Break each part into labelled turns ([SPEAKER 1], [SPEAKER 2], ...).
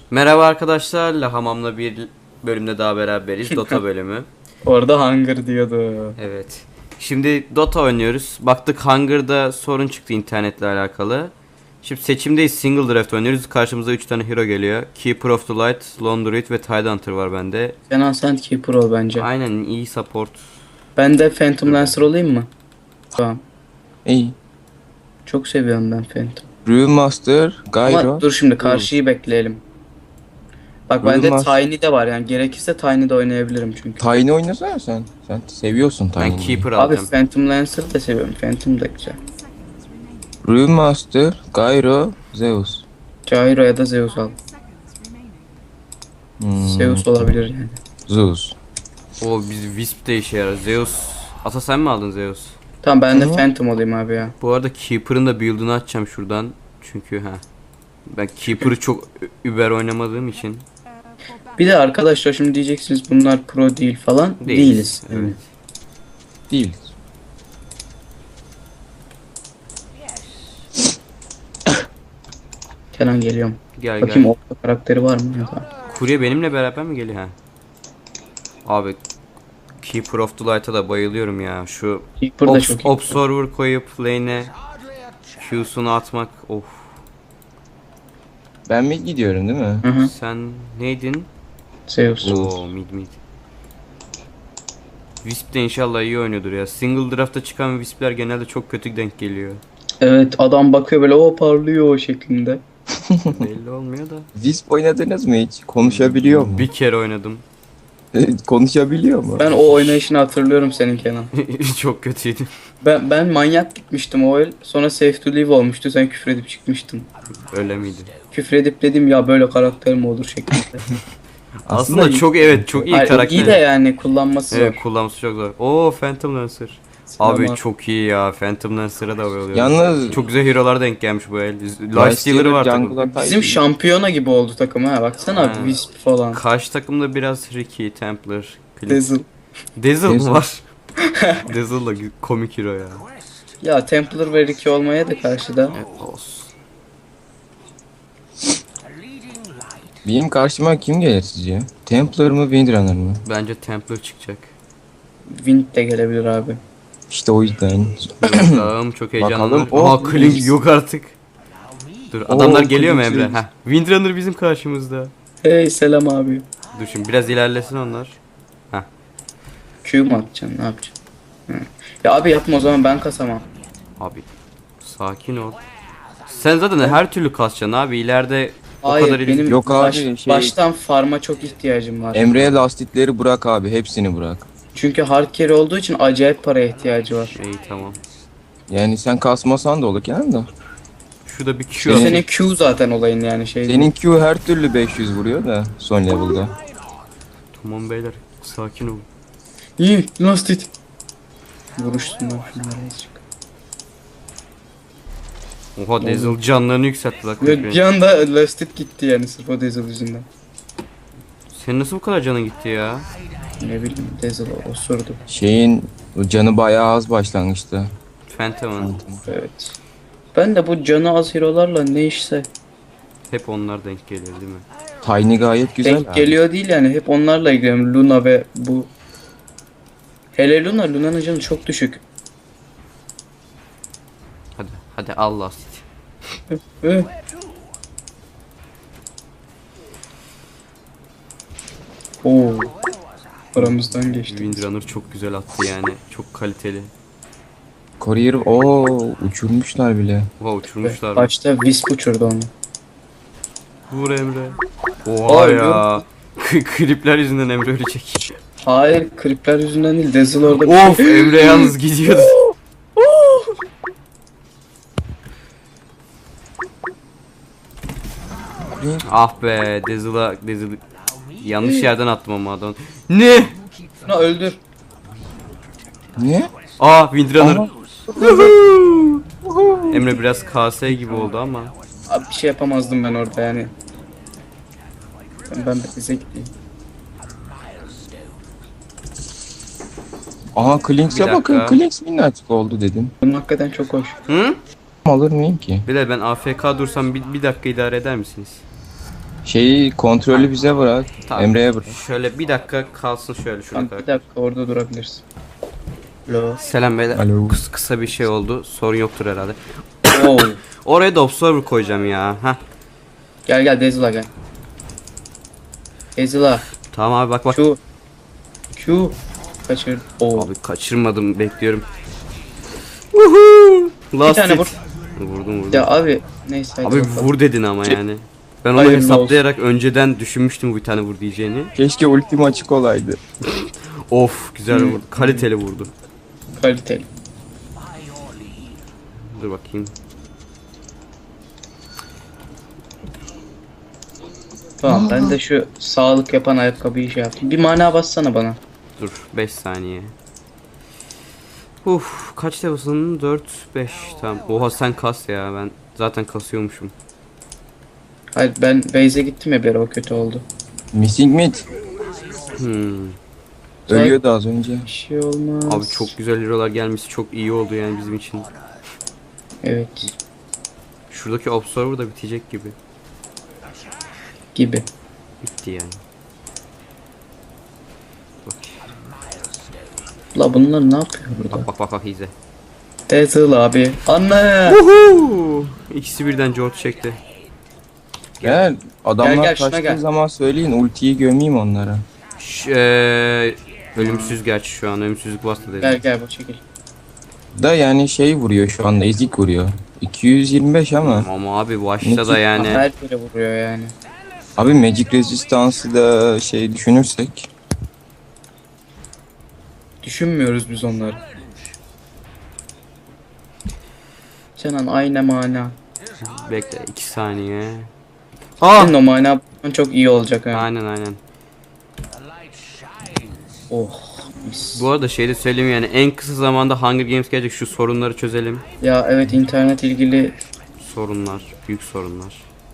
[SPEAKER 1] Merhaba arkadaşlar, Lahamam'la bir bölümde daha beraberiz. Dota bölümü.
[SPEAKER 2] Orada Hunger diyordu.
[SPEAKER 1] Evet. Şimdi Dota oynuyoruz. Baktık Hunger'da sorun çıktı internetle alakalı. Şimdi seçimdeyiz. Single draft oynuyoruz. Karşımıza 3 tane hero geliyor. Keeper of the Light, Lone Druid ve Tidehunter var bende.
[SPEAKER 2] Kenan sen Keeper ol bence.
[SPEAKER 1] Aynen, iyi support.
[SPEAKER 2] Ben de Phantom Lancer olayım mı? Tamam.
[SPEAKER 3] İyi.
[SPEAKER 2] Çok seviyorum ben Phantom.
[SPEAKER 3] Brewmaster, Gyro.
[SPEAKER 2] Ama dur şimdi karşıyı bekleyelim. Bak bende
[SPEAKER 3] Uyumaz.
[SPEAKER 2] Tiny de var yani gerekirse Tiny de oynayabilirim çünkü.
[SPEAKER 3] Tiny oynasana sen. Sen seviyorsun
[SPEAKER 1] Ben
[SPEAKER 3] Tiny'yi.
[SPEAKER 1] Keeper
[SPEAKER 2] Abi
[SPEAKER 1] alacağım.
[SPEAKER 2] Phantom Lancer'ı da seviyorum. Phantom da güzel.
[SPEAKER 3] Brewmaster, Gyro, Zeus.
[SPEAKER 2] Gyro ya da Zeus al. Zeus olabilir yani.
[SPEAKER 3] Zeus.
[SPEAKER 1] O biz Wisp de işe yarar. Zeus. Ata sen mi aldın Zeus?
[SPEAKER 2] Tamam ben de
[SPEAKER 3] Hı.
[SPEAKER 2] Phantom olayım abi ya.
[SPEAKER 1] Bu arada Keeper'ın da build'ını açacağım şuradan. Çünkü ben Keeper'ı çok über oynamadığım için
[SPEAKER 2] Bir de arkadaşlar şimdi diyeceksiniz bunlar pro değil falan. Değiliz.
[SPEAKER 1] Evet.
[SPEAKER 3] Değil.
[SPEAKER 2] Kenan geliyorum.
[SPEAKER 1] Gel
[SPEAKER 2] Bakayım
[SPEAKER 1] gel.
[SPEAKER 2] orta karakteri var mı? Tamam.
[SPEAKER 1] Kurye benimle beraber mi geliyor ha? Abi Keeper of the Light'a da bayılıyorum ya. Şu
[SPEAKER 2] Keeper da çok iyi.
[SPEAKER 1] Observer koyup lane'e Q'sunu atmak. Of.
[SPEAKER 3] Ben mi gidiyorum değil mi?
[SPEAKER 2] Hı hı.
[SPEAKER 1] Sen neydin?
[SPEAKER 2] Zeus.
[SPEAKER 1] Oo, mid. Wisp de inşallah iyi oynuyordur ya. Single draft'ta çıkan Wisp'ler genelde çok kötü denk geliyor.
[SPEAKER 2] Evet adam bakıyor böyle o parlıyor o şeklinde.
[SPEAKER 1] Belli olmuyor da.
[SPEAKER 3] Wisp oynadınız mı hiç? Konuşabiliyor mu?
[SPEAKER 1] Bir kere oynadım.
[SPEAKER 3] Konuşabiliyor mu?
[SPEAKER 2] Ben o oynayışını hatırlıyorum senin Kenan.
[SPEAKER 1] Çok kötüydü.
[SPEAKER 2] Ben manyak gitmiştim o el. Sonra Safe to Live olmuştu. Sen küfür edip çıkmıştın.
[SPEAKER 1] Öyle miydi?
[SPEAKER 2] Küfür edip dedim ya böyle karakter mi olur şeklinde.
[SPEAKER 1] Aslında çok çok iyi
[SPEAKER 2] Hayır,
[SPEAKER 1] karakter.
[SPEAKER 2] iyi de yani kullanması zor.
[SPEAKER 1] Evet, kullanması çok zor. Oo, Phantom Lancer. Abi
[SPEAKER 2] Ama
[SPEAKER 1] çok iyi ya. Phantom Lancer'a da bayılıyorum.
[SPEAKER 3] Yalnız
[SPEAKER 1] Çok güzel hero'lar denk gelmiş bu el. Lifestealer'ı var takım.
[SPEAKER 2] bizim şampiyona gibi oldu takım ha. Baksana
[SPEAKER 1] Ha.
[SPEAKER 2] Wisp falan.
[SPEAKER 1] Karşı takımda biraz Ricky, Templar, Clint.
[SPEAKER 2] Dazzle.
[SPEAKER 1] Dazzle mı
[SPEAKER 3] Dazzle.
[SPEAKER 1] var? Dazzle da komik hero ya.
[SPEAKER 2] Ya Templar ve Ricky olmaya da karşıda.
[SPEAKER 1] Evet, olsun.
[SPEAKER 3] Benim karşıma kim gelir sizce? Templar mı, Windrunner mı?
[SPEAKER 1] Bence Templar çıkacak.
[SPEAKER 2] Wind de gelebilir abi.
[SPEAKER 3] İşte o yüzden.
[SPEAKER 1] Bakalım, çok heyecanlı.
[SPEAKER 3] Bakalım.
[SPEAKER 1] Aha, Clint yok artık. Dur, adamlar geliyor mu
[SPEAKER 3] Clint
[SPEAKER 1] Emre?
[SPEAKER 3] yok.
[SPEAKER 1] Heh, Windrunner bizim karşımızda.
[SPEAKER 2] Hey selam abi.
[SPEAKER 1] Dur şimdi biraz ilerlesin onlar.
[SPEAKER 2] Q mu atacaksın ne yapacaksın? Hı. Ya abi yapma o zaman ben kasamam.
[SPEAKER 1] Abi sakin ol. Sen zaten her türlü kasacaksın abi, ileride o
[SPEAKER 2] Hayır
[SPEAKER 1] kadar
[SPEAKER 2] benim
[SPEAKER 3] Yok abi,
[SPEAKER 2] baştan farma çok ihtiyacım var.
[SPEAKER 3] Emre'ye lastikleri bırak abi. Hepsini bırak.
[SPEAKER 2] Çünkü hard carry olduğu için acayip paraya ihtiyacı var.
[SPEAKER 1] iyi, tamam.
[SPEAKER 3] Yani sen kasmasan da olur Kenan da.
[SPEAKER 1] Şurada bir Q
[SPEAKER 3] Senin-
[SPEAKER 1] atayım.
[SPEAKER 2] Senin Q zaten olayın yani şey.
[SPEAKER 3] Senin Q her türlü 500 vuruyor da son level'da.
[SPEAKER 1] Tamam beyler, sakin olun.
[SPEAKER 2] İyi last hit. Vuruşsunlar şunlara azıcık.
[SPEAKER 1] Oha, Dazzle canlarını yükseltti bak.
[SPEAKER 2] Ve bir anda last hit gitti yani sırf o Dazzle yüzünden.
[SPEAKER 1] Senin nasıl bu kadar canın gitti ya?
[SPEAKER 2] Ne bileyim Dazzle osurdu.
[SPEAKER 3] Şeyin canı bayağı az başlangıçta.
[SPEAKER 1] Phantom'ın.
[SPEAKER 2] Evet. Ben de bu canı az hero'larla ne işse
[SPEAKER 1] Hep onlar denk geliyor değil mi?
[SPEAKER 3] Tiny gayet güzel.
[SPEAKER 2] denk geliyor değil yani hep onlarla ilgileniyorum. Luna ve bu. Hele Luna'nın canı çok düşük.
[SPEAKER 1] Hadi Allah.
[SPEAKER 2] Hı. Oo. Aramızdan geçti.
[SPEAKER 1] Windrunner çok güzel attı yani. Çok kaliteli.
[SPEAKER 3] Courier uçurmuşlar bile.
[SPEAKER 1] Oha, uçurmuşlar.
[SPEAKER 2] Başta Wisp uçurdu onu.
[SPEAKER 1] Vur Emre. Oha
[SPEAKER 2] Ay,
[SPEAKER 1] ya. Klipler yüzünden Emre ölecek.
[SPEAKER 2] Hayır, kripler yüzünden değil. Dazzle orada bir
[SPEAKER 1] Of, Emre yalnız gidiyordu. Ah be, Dazzle yanlış yerden attım ama adam. Ne?
[SPEAKER 2] Şuna öldür.
[SPEAKER 3] Ne?
[SPEAKER 1] Windrunner. Emre biraz KS gibi oldu ama.
[SPEAKER 2] Abi bir şey yapamazdım ben orada yani. Ben bize gideyim.
[SPEAKER 3] Aha Klinks'e
[SPEAKER 1] Bir
[SPEAKER 3] bakın.
[SPEAKER 1] dakika.
[SPEAKER 3] Klinks minnacık oldu dedim.
[SPEAKER 2] Bunun hakikaten çok hoş.
[SPEAKER 1] Hı?
[SPEAKER 3] Alır mıyım ki?
[SPEAKER 1] Bilal, ben AFK dursam bir dakika idare eder misiniz?
[SPEAKER 3] Şeyi kontrolü bize bırak.
[SPEAKER 1] Tamam.
[SPEAKER 3] Emre'ye bırak.
[SPEAKER 1] Şöyle bir dakika kalsın şöyle şuna
[SPEAKER 2] Tamam,
[SPEAKER 1] kadar.
[SPEAKER 2] bir dakika orada durabilirsin. Lo.
[SPEAKER 1] Selam beyler.
[SPEAKER 3] Alo.
[SPEAKER 1] Kısa bir şey oldu. Sorun yoktur herhalde.
[SPEAKER 2] Oo.
[SPEAKER 1] Oraya da observer koyacağım ya. Heh.
[SPEAKER 2] Gel gel Dezula gel. Dezula.
[SPEAKER 1] Tamam abi bak.
[SPEAKER 2] Q. Kaçır. Oo.
[SPEAKER 1] Abi kaçırmadım, bekliyorum. Woohoo!
[SPEAKER 2] Bir
[SPEAKER 1] Last
[SPEAKER 2] tane
[SPEAKER 1] hit.
[SPEAKER 2] vur.
[SPEAKER 1] Vurdum.
[SPEAKER 2] Ya abi neyse hadi
[SPEAKER 1] Abi
[SPEAKER 2] bakalım.
[SPEAKER 1] vur dedin ama yani. Ben onu
[SPEAKER 2] Hayırlı
[SPEAKER 1] hesaplayarak önceden düşünmüştüm bir tane vur diyeceğini.
[SPEAKER 3] Keşke ultim açık olaydı.
[SPEAKER 1] Of güzel vurdu. Kaliteli vurdu.
[SPEAKER 2] Kaliteli.
[SPEAKER 1] Dur bakayım.
[SPEAKER 2] Tamam ben de şu sağlık yapan ayakkabıyı şey yaptım. Bir mana bassana bana.
[SPEAKER 1] Dur 5 saniye. Kaç level'sın? 4 5 tamam. Oha sen kas ya, ben zaten kasıyormuşum.
[SPEAKER 2] Hayır ben base'e gittim ya bir ara, o kötü oldu.
[SPEAKER 3] Missing mid.
[SPEAKER 1] Hmm.
[SPEAKER 3] Ölüyordu az önce.
[SPEAKER 2] Bir şey olmaz.
[SPEAKER 1] Abi çok güzel hero'lar gelmesi çok iyi oldu yani bizim için.
[SPEAKER 2] Evet.
[SPEAKER 1] Şuradaki observer da bitecek gibi.
[SPEAKER 2] Gibi.
[SPEAKER 1] Bitti yani. Bak
[SPEAKER 2] La bunlar ne yapıyor burada?
[SPEAKER 1] bak izle.
[SPEAKER 2] Dezula abi. Anne.
[SPEAKER 1] Woohoo! İkisi birden George çekti.
[SPEAKER 3] Gel. Adamlar
[SPEAKER 2] Gel, şuna
[SPEAKER 3] kaçtığı
[SPEAKER 2] gel.
[SPEAKER 3] zaman söyleyin ultiyi gömeyim onlara.
[SPEAKER 1] Ölümsüz gerçi şu an ölümsüzlük bastı dedi.
[SPEAKER 2] Gel bu çekil.
[SPEAKER 3] Da yani şey vuruyor şu anda ezik vuruyor. 225 ama.
[SPEAKER 1] Ama abi başta da yani.
[SPEAKER 2] Her yere vuruyor yani.
[SPEAKER 3] Abi Magic Resistance'ı da şey düşünürsek.
[SPEAKER 2] Düşünmüyoruz biz onları. Canan aynı mana.
[SPEAKER 1] Bekle 2 saniye. Ah!
[SPEAKER 2] Senin o mana çok iyi olacak ha.
[SPEAKER 1] Aynen.
[SPEAKER 2] Oh mis.
[SPEAKER 1] Bu arada şey de söyleyeyim yani en kısa zamanda Hunger Games gelecek, şu sorunları çözelim.
[SPEAKER 2] Ya evet internet ilgili
[SPEAKER 1] Sorunlar, büyük sorunlar.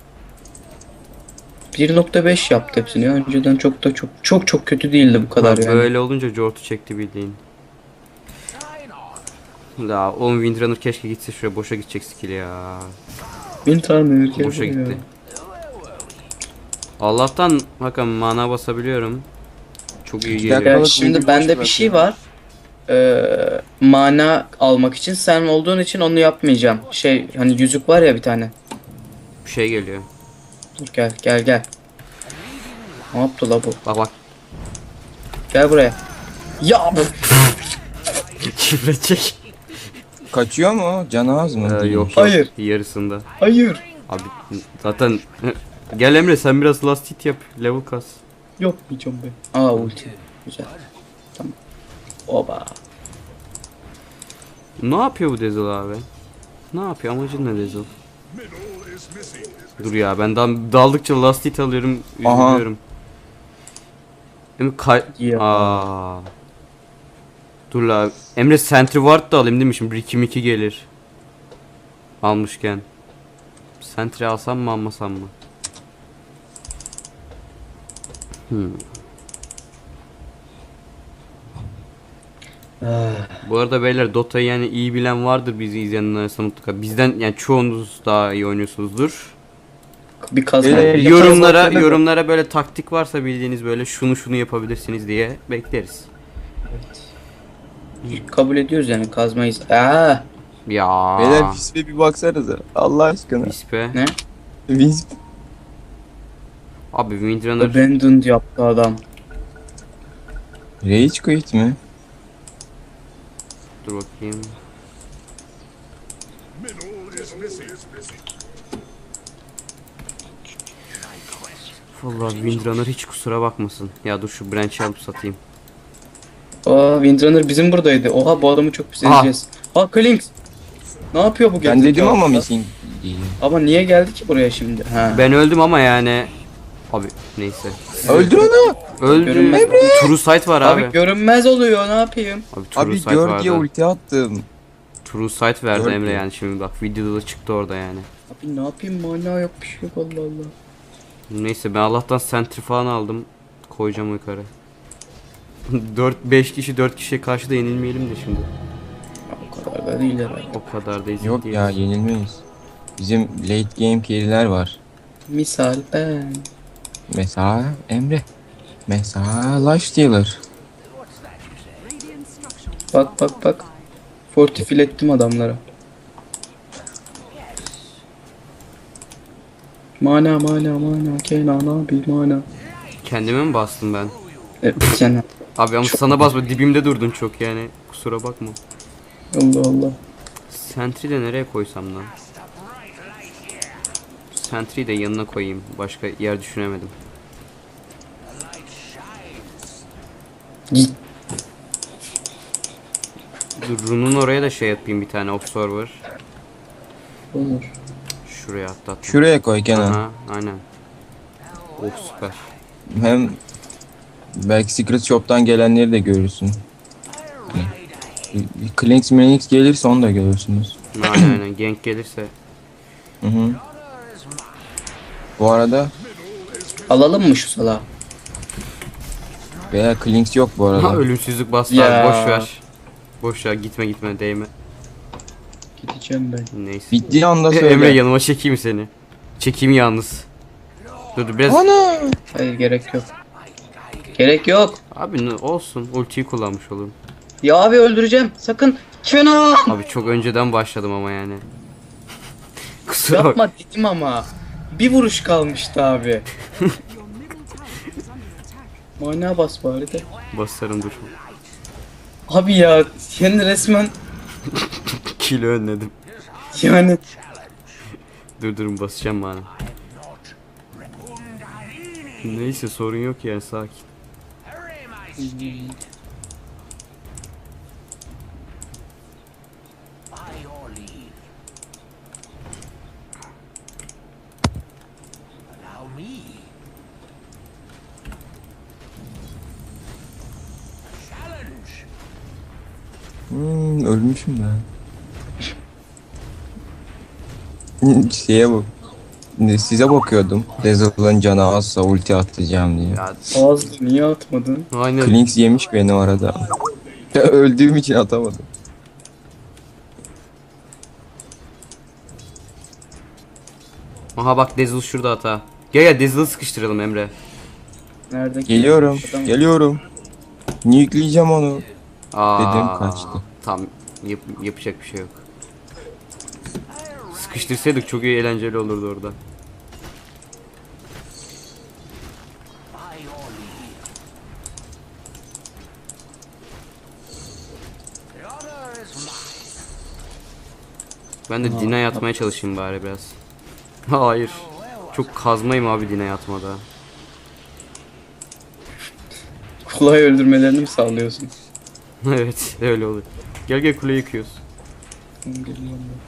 [SPEAKER 2] 1.5 yaptı hepsini ya. Önceden çok kötü değildi bu kadar
[SPEAKER 1] Ha,
[SPEAKER 2] yani.
[SPEAKER 1] böyle olunca Jort'u çekti bildiğin. La oğlum Windrunner keşke gitse, şuraya boşa gidecek skill ya.
[SPEAKER 2] İnternet
[SPEAKER 1] Boşa gitti. Allah'tan bakın mana basabiliyorum. Çok iyi geliyor.
[SPEAKER 3] dakika.
[SPEAKER 2] Ya
[SPEAKER 3] Balık
[SPEAKER 2] şimdi
[SPEAKER 3] boş
[SPEAKER 2] bende bir
[SPEAKER 3] bırakıyor.
[SPEAKER 2] şey var. Mana almak için sen olduğun için onu yapmayacağım. Şey hani yüzük var ya bir tane.
[SPEAKER 1] Bir şey geliyor.
[SPEAKER 2] Dur gel. Ne yaptı la bu?
[SPEAKER 1] Bak.
[SPEAKER 2] Gel buraya. Ya bu.
[SPEAKER 1] Şifre çek.
[SPEAKER 3] Kaçıyor mu? Canı az mı? Değil.
[SPEAKER 1] Yok.
[SPEAKER 2] Hayır.
[SPEAKER 1] Yarısında.
[SPEAKER 2] Hayır.
[SPEAKER 1] Abi zaten gel Emre sen biraz last hit yap. Level kas.
[SPEAKER 2] Yapmayacağım ben. Aa ulti. Güzel. Tamam. Oba.
[SPEAKER 1] Ne yapıyor bu Dazzle abi? Ne yapıyor? Amacın ne Dazzle? Dur ya ben daldıkça last hit alıyorum.
[SPEAKER 3] Aha.
[SPEAKER 1] Üzülüyorum. Emre
[SPEAKER 2] Ya.
[SPEAKER 1] Aa. Dur la. Emre Sentry Ward da alayım değil mi? Şimdi 1-2-2 gelir. Almışken. Sentry alsam mı almasam mı? Bu arada beyler Dota'yı yani iyi bilen vardır bizi izleyenler arasında mutlaka. Bizden yani çoğunuz daha iyi oynuyorsunuzdur.
[SPEAKER 2] Bir kazma.
[SPEAKER 1] Yorumlara böyle taktik varsa bildiğiniz böyle şunu yapabilirsiniz diye bekleriz.
[SPEAKER 2] Kabul ediyoruz yani kazmayız. Aa.
[SPEAKER 1] Ya.
[SPEAKER 3] Beyler Wisp'e bir baksanıza. Allah aşkına.
[SPEAKER 1] Wispe.
[SPEAKER 2] Ne?
[SPEAKER 3] Wisp.
[SPEAKER 1] Abi Windrunner
[SPEAKER 2] Abandoned yaptı adam.
[SPEAKER 3] Rage quit mi?
[SPEAKER 1] dur bakayım. Vallahi Windrunner hiç kusura bakmasın. Ya dur şu branch'i alıp satayım.
[SPEAKER 2] Aa Windrunner bizim buradaydı. Oha bu adamı çok pis edeceğiz. Ha Klinks. Ne yapıyor bu
[SPEAKER 3] Ben
[SPEAKER 2] gerizekalı?
[SPEAKER 3] dedim ama missing diye.
[SPEAKER 2] Ama niye geldi ki buraya şimdi? Ha.
[SPEAKER 1] Ben öldüm ama yani. Abi neyse.
[SPEAKER 3] Öldür onu.
[SPEAKER 1] Öldü.
[SPEAKER 2] Görünmez.
[SPEAKER 1] True sight var abi.
[SPEAKER 2] Abi görünmez oluyor ne yapayım?
[SPEAKER 1] Abi True
[SPEAKER 3] Abi
[SPEAKER 1] sight
[SPEAKER 3] gör diye
[SPEAKER 1] vardı.
[SPEAKER 3] ulti attım.
[SPEAKER 1] True sight verdi
[SPEAKER 3] Gör
[SPEAKER 1] Emre
[SPEAKER 3] diye.
[SPEAKER 1] yani şimdi bak videoda da çıktı orada yani.
[SPEAKER 2] Abi ne yapayım mana yok bir şey yok Allah Allah.
[SPEAKER 1] Neyse ben Allah'tan sentry falan aldım. Koyacağım yukarı. 4-5 kişi 4 kişiye karşı da yenilmeyelim de şimdi.
[SPEAKER 2] Ya, o kadar da değil herhalde.
[SPEAKER 1] O kadar da ezik
[SPEAKER 3] Yok
[SPEAKER 1] değiliz.
[SPEAKER 3] ya yenilmeyiz. Bizim late game carry'ler var.
[SPEAKER 2] Misal ben.
[SPEAKER 3] Mesela Emre. Mesela Lifestealer.
[SPEAKER 2] Bak bak bak. Fortifil ettim adamlara. Mana mana mana Kenan abi mana.
[SPEAKER 1] Kendime mi bastım ben?
[SPEAKER 2] Kenan.
[SPEAKER 1] Abi ama sana basma, dibimde durdun çok yani. Kusura bakma.
[SPEAKER 2] Allah Allah.
[SPEAKER 1] Sentry de nereye koysam lan? Sentry'yi de yanına koyayım. Başka yer düşünemedim.
[SPEAKER 2] Git.
[SPEAKER 1] Dur, runun oraya da şey yapayım, bir tane observer.
[SPEAKER 2] Olur.
[SPEAKER 1] Şuraya atlat.
[SPEAKER 3] Şuraya koy Kenan.
[SPEAKER 1] Aha, aynen. Oh süper.
[SPEAKER 3] Hem belki Secret Shop'tan gelenleri de görürsün. Clinks Minix gelirse onu da görürsünüz.
[SPEAKER 1] Aynen aynen. Gank gelirse.
[SPEAKER 3] Hı hı. Bu arada
[SPEAKER 2] Alalım mı şu salağı?
[SPEAKER 3] veya Clinks yok bu
[SPEAKER 1] Ha,
[SPEAKER 3] arada.
[SPEAKER 1] ölümsüzlük bastı
[SPEAKER 2] Ya.
[SPEAKER 1] abi, boş ver. Boş ver, gitme değme.
[SPEAKER 2] Gideceğim ben.
[SPEAKER 1] Neyse.
[SPEAKER 3] Bittiği anda
[SPEAKER 1] Emre
[SPEAKER 3] söyle.
[SPEAKER 1] yanıma çekeyim seni. Çekeyim yalnız. Dur biraz.
[SPEAKER 3] Ana!
[SPEAKER 2] Hayır gerek yok. Gerek yok.
[SPEAKER 1] Abi ne olsun, ultiyi kullanmış olurum.
[SPEAKER 2] Ya abi öldüreceğim. Sakın. Kenan.
[SPEAKER 1] Abi çok önceden başladım ama yani. Kusura bak.
[SPEAKER 2] Yapma dedim ama. Bir vuruş kalmıştı abi. Mana bas bari de.
[SPEAKER 1] Basarım dur.
[SPEAKER 2] Abi ya yani resmen
[SPEAKER 1] Kilo önledim.
[SPEAKER 2] yani
[SPEAKER 1] Durun basacağım bana. Neyse sorun yok yani, sakin.
[SPEAKER 3] Ölmüşüm ben. Şeye bak. Size bakıyordum. Dazzle'ın canı azsa ulti atacağım diye.
[SPEAKER 1] Ya
[SPEAKER 2] ağzı niye atmadın?
[SPEAKER 1] aynen.
[SPEAKER 3] Clinks yemiş beni orada. Öldüğüm için atamadım.
[SPEAKER 1] Aha bak, Dazzle şurada hata. Gel Dazzle'ı sıkıştıralım Emre.
[SPEAKER 2] Nerede?
[SPEAKER 3] Geliyorum.
[SPEAKER 2] Adam-
[SPEAKER 3] Geliyorum. Nuke'leyeceğim onu.
[SPEAKER 1] Aa,
[SPEAKER 3] Dedim kaçtı.
[SPEAKER 1] Tam yapacak bir şey yok. Sıkıştırsaydık çok iyi, eğlenceli olurdu orada. Ben de Dina'ya atmaya çalışayım bari biraz. Hayır. Çok kazmayım abi Dina'ya atmada.
[SPEAKER 2] Kolay öldürmelerini mi sağlıyorsun?
[SPEAKER 1] Evet öyle olur. Gel kule yıkıyoruz.
[SPEAKER 2] Geliyorum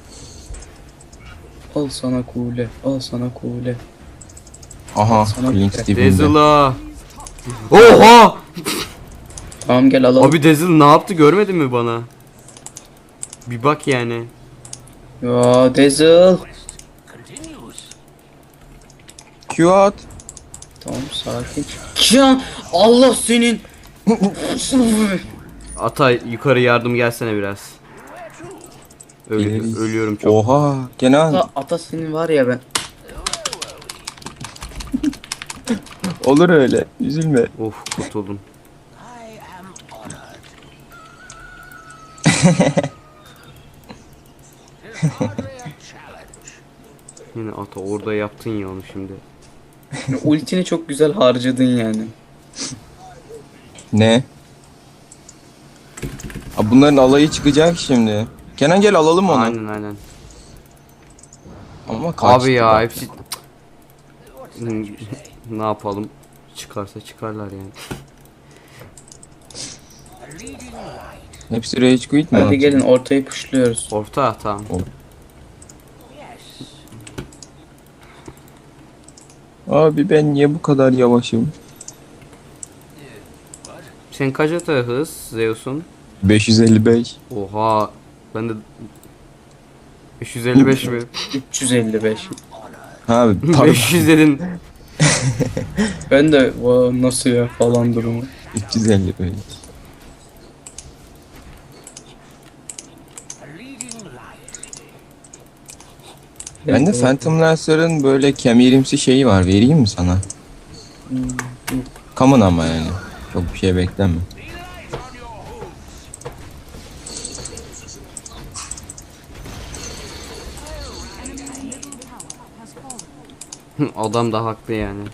[SPEAKER 2] ben. Al sana kule. Al sana kule.
[SPEAKER 3] Aha,
[SPEAKER 2] Sana
[SPEAKER 3] Clinks
[SPEAKER 2] bir-
[SPEAKER 3] dibinde.
[SPEAKER 1] Dazzle'a. Oha!
[SPEAKER 2] Tamam gel alalım.
[SPEAKER 1] Abi Dazzle ne yaptı, görmedin mi bana? Bir bak yani.
[SPEAKER 2] Ya Dazzle.
[SPEAKER 3] Q at.
[SPEAKER 2] Tamam sakin. Ya Allah senin.
[SPEAKER 1] Ata yukarı yardım gelsene biraz.
[SPEAKER 3] Geliriz.
[SPEAKER 1] Ölüyorum çok.
[SPEAKER 3] Oha, Kenan.
[SPEAKER 2] Ata senin var ya ben.
[SPEAKER 3] Olur öyle. Üzülme.
[SPEAKER 1] Of kurtuldum. Yine Ata orada yaptın ya onu şimdi.
[SPEAKER 2] Ultini çok güzel harcadın yani.
[SPEAKER 3] Ne? Aa, bunların alayı çıkacak şimdi. Kenan gel alalım onu.
[SPEAKER 1] Aynen.
[SPEAKER 3] Ama kaçtı
[SPEAKER 1] Abi ya
[SPEAKER 3] bak.
[SPEAKER 1] hepsi... Ne yapalım? Çıkarsa çıkarlar yani.
[SPEAKER 3] Hepsi rage quit mi?
[SPEAKER 2] Hadi
[SPEAKER 3] atıyor?
[SPEAKER 2] gelin ortayı pushluyoruz.
[SPEAKER 1] Orta tamam.
[SPEAKER 3] Abi ben niye bu kadar yavaşım?
[SPEAKER 1] Sen kaç ata hız Zeus'un?
[SPEAKER 3] 555.
[SPEAKER 1] Oha. Ben de 555 mi?
[SPEAKER 2] 355.
[SPEAKER 3] Ha pardon.
[SPEAKER 1] 500 dedin.
[SPEAKER 2] Ben de nasıl ya falan durumu.
[SPEAKER 3] 355. Bende Phantom Lancer'ın böyle kemirimsi şeyi var. Vereyim mi sana? Common ama yani. Çok bir şey bekleme.
[SPEAKER 1] Adam da haklı yani.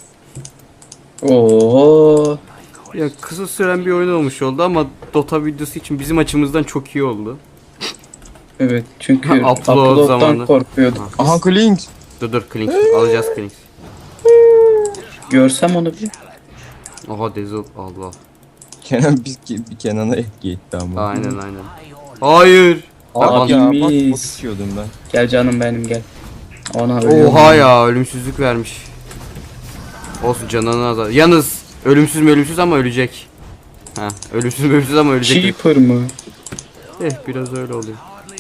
[SPEAKER 2] Oo.
[SPEAKER 1] Ya kısa süren bir oyun olmuş oldu ama Dota videosu için bizim açımızdan çok iyi oldu.
[SPEAKER 2] Evet çünkü
[SPEAKER 1] Upload
[SPEAKER 2] upload'dan
[SPEAKER 1] zamanı.
[SPEAKER 2] korkuyorduk.
[SPEAKER 3] Aha Klings.
[SPEAKER 1] Dur Klings alacağız Klings.
[SPEAKER 2] Görsem onu bir.
[SPEAKER 1] Oha Dazzle Allah.
[SPEAKER 3] Kenan bir Kenan'a etki etti ama.
[SPEAKER 1] Aynen. Hayır.
[SPEAKER 3] Abi ya bak bot
[SPEAKER 2] Abimiz.
[SPEAKER 3] içiyordum ben.
[SPEAKER 2] Gel canım benim gel. Ona ölüyorum.
[SPEAKER 1] Oha ya ölümsüzlük vermiş. Olsun canını azar. Yalnız ölümsüz ama ölecek. Ha ölümsüz ama ölecek.
[SPEAKER 2] Cheaper mı?
[SPEAKER 1] Biraz öyle oluyor.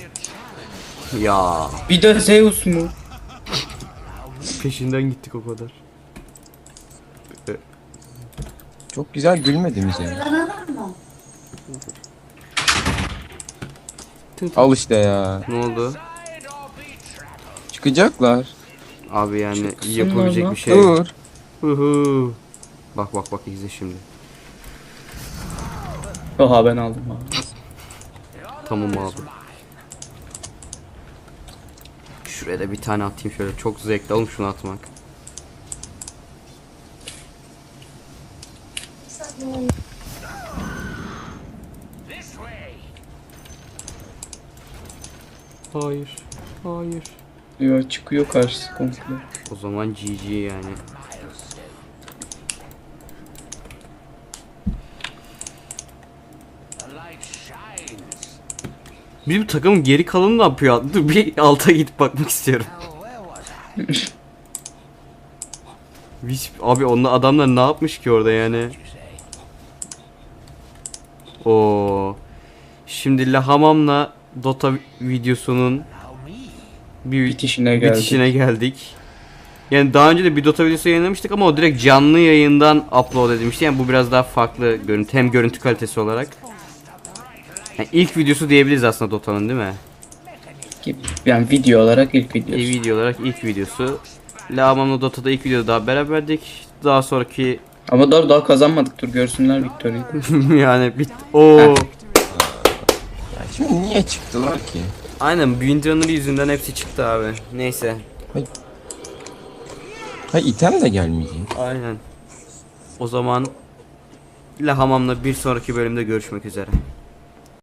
[SPEAKER 1] Ya
[SPEAKER 2] Bir de Zeus mu?
[SPEAKER 1] peşinden gittik o kadar.
[SPEAKER 3] Çok güzel gülmediniz yani. Al işte ya.
[SPEAKER 1] Ne oldu?
[SPEAKER 3] Çıkacaklar.
[SPEAKER 1] Abi yani
[SPEAKER 2] Çıksınlar
[SPEAKER 1] yapabilecek
[SPEAKER 2] lan.
[SPEAKER 1] bir şey yok.
[SPEAKER 3] Dur.
[SPEAKER 1] Huhu. Bak izle şimdi.
[SPEAKER 2] Oha ben aldım abi.
[SPEAKER 1] Tamam abi. Şuraya da bir tane atayım şöyle. Çok zevkli oğlum şunu atmak. Hayır.
[SPEAKER 2] Yo çıkıyor karşısı komple.
[SPEAKER 1] O zaman GG yani. Bizim takımın geri kalanı ne yapıyor? Dur bir alta gidip bakmak istiyorum. Abi onlar adamlar ne yapmış ki orada yani? O. Şimdi Lahamam'la Dota videosunun
[SPEAKER 2] Bitişine geldik.
[SPEAKER 1] bitişine geldik. Yani daha önce de bir Dota videosu yayınlamıştık ama o direkt canlı yayından upload edilmişti. Yani bu biraz daha farklı görüntü, hem görüntü kalitesi olarak. Yani ilk videosu diyebiliriz aslında Dota'nın değil mi?
[SPEAKER 2] Yani video olarak ilk videosu.
[SPEAKER 1] Video olarak ilk videosu. Lahamam'la Dota'da ilk videoda daha beraberdik. Daha sonraki
[SPEAKER 2] Ama daha kazanmadık, dur görsünler Victoria'yı.
[SPEAKER 1] yani Oo.
[SPEAKER 3] Ya şimdi niye çıktılar ki?
[SPEAKER 1] Aynen Windrunner yüzünden hepsi çıktı abi. Neyse.
[SPEAKER 3] Ha item de gelmeyecek.
[SPEAKER 1] Aynen. O zaman Lahamam'la bir sonraki bölümde görüşmek üzere.